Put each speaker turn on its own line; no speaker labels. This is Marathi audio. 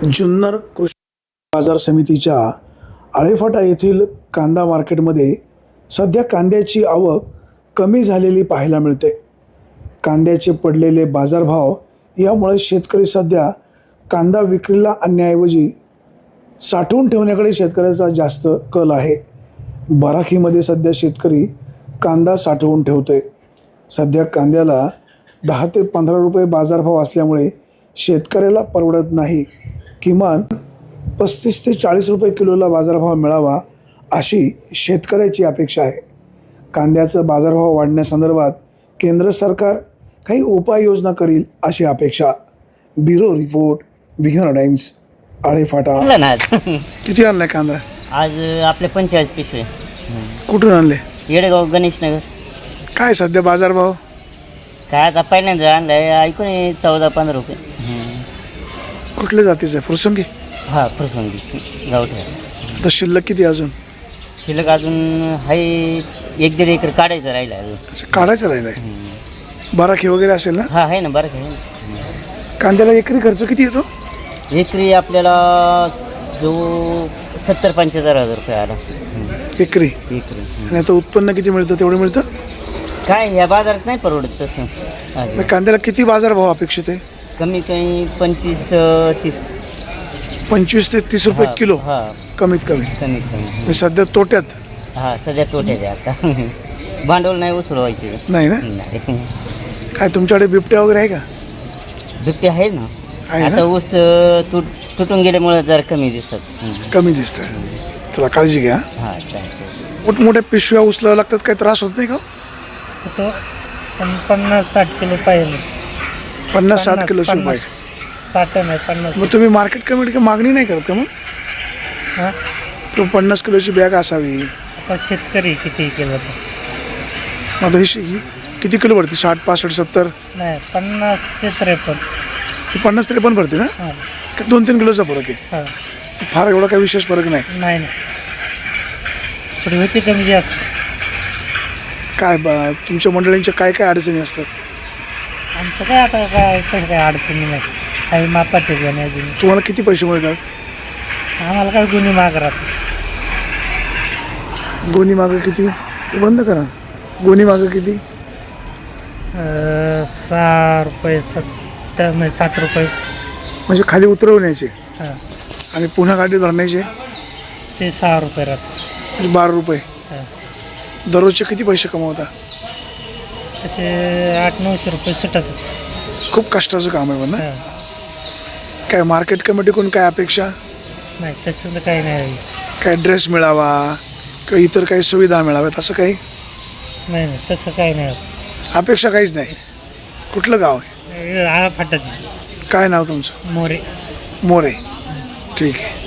जुन्नर कृषी बाजार समितीच्या आळेफाटा येथील कांदा मार्केटमध्ये सध्या कांद्याची आवक कमी झालेली पाहायला मिळते. कांद्याचे पडलेले बाजारभाव यामुळे शेतकरी सध्या कांदा विक्रीला आणण्याऐवजी साठवून ठेवण्याकडे शेतकऱ्याचा जास्त कल आहे. बराखीमध्ये सध्या शेतकरी कांदा साठवून ठेवतोय. सध्या कांद्याला 10 ते 15 रुपये बाजारभाव असल्यामुळे शेतकऱ्याला परवडत नाही. किमान 35 ते 40 रुपये किलोला बाजारभाव मिळावा अशी शेतकऱ्याची अपेक्षा आहे. कांद्याचा बाजारभाव वाढण्यासंदर्भात केंद्र सरकार काही उपाययोजना करील अशी अपेक्षा. Bureau report, Vighna times, Alephata. किती आणलाय कांदा?
आज आपले 45 पिशवे.
कुठून आणले?
येडेगाव, गणेश नगर.
काय सध्या बाजारभाव?
काय आता पहिल्यांदा आणलाय, ऐकून 14-15 रुपये.
कुठल्या जातीचं आहे? फुरसंगी?
हा, फुरसंगी गावठी.
तर शिल्लक किती अजून?
शिल्लक अजून आहे 1-1.5 एकर काढायचं राहिलं अजून.
काढायचं राहिलं आहे. बराखी वगैरे असेल ना?
हा, आहे ना, बरं आहे.
कांद्याला एकरी खर्च किती येतो?
एकरी आपल्याला जो 70-75 हजार रुपये आला
एकरी.
एकरी.
आणि आता उत्पन्न किती मिळतं? तेवढं मिळतं?
काय ह्या बाजारात नाही परवडत तसं.
कांद्याला किती बाजारभाव अपेक्षित आहे?
कमी कमी 25-30.
25 ते 30 रुपये किलो
हा,
कमीत कमी.
कमीत कमी.
मी सध्या तोट्यात.
हा, सध्या तोट्यात आहे आता. भांडवल नाही उचलवायचे.
नाही ना?
नाही.
काय तुमच्याकडे बिबट्या वगैरे आहे का?
दुपटे आहे ना.
आहे ना?
आता ऊस तुटून गेल्यामुळे जरा कमी दिसत.
कमी दिसतं. चला काळजी घ्या.
हा, चालतं.
मोठमोठ्या पिशव्या उचलाव्या लागतात, काही त्रास होत नाही का?
50-60 किलो पाहिजे.
50-60 किलो पाहिजे.
60 नाही 50.
मग तुम्ही मार्केट कमिटी मागणी नाही करत का? मग
हां,
तो 50 किलोची बॅग असावी.
आता शेतकरी किती केलं तर
मग ही किती किलो भरते? 60, 65, 70?
नाही, 50 ते 53.
50-53 भरते ना?
हां
2-3 किलोचा फरक आहे.
हां.
फार एवढा काही विशेष फरक नाही.
नाही नाही, थोडी होती कमी जास्त.
काय तुमच्या मंडळींच्या काय काय अडचणी असतात?
आमचं काय आता काय तसं काय अडचणी नाही. काही मापाचे घेण्याची.
तुम्हाला किती पैसे मिळतात?
आम्हाला काय गुन्हे माग राहतात.
गोणी मागं किती? ते बंद करा. गोणी मागं किती?
6 रुपये 7 रुपये.
म्हणजे खाली उतरवण्याचे
हां,
आणि पुन्हा गाडी भरण्याचे
ते 6 रुपये राहतात.
12 रुपये.
हां,
दररोजचे किती पैसे कमवता?
तसे 800-900 रुपये सुटतात.
खूप कष्टाचं काम आहे. पण ना,
हां,
काय मार्केट कमिटीकडून काय अपेक्षा?
नाही तसं तर काही नाही.
काय ड्रेस मिळावा किंवा इतर काही सुविधा मिळाव्यात असं काही
नाही नाही, तसं काही नाही.
अपेक्षा काहीच नाही. कुठलं गाव आहे?
आळाफाटाची.
काय नाव तुमचं?
मोरे.
मोरे. ठीक आहे.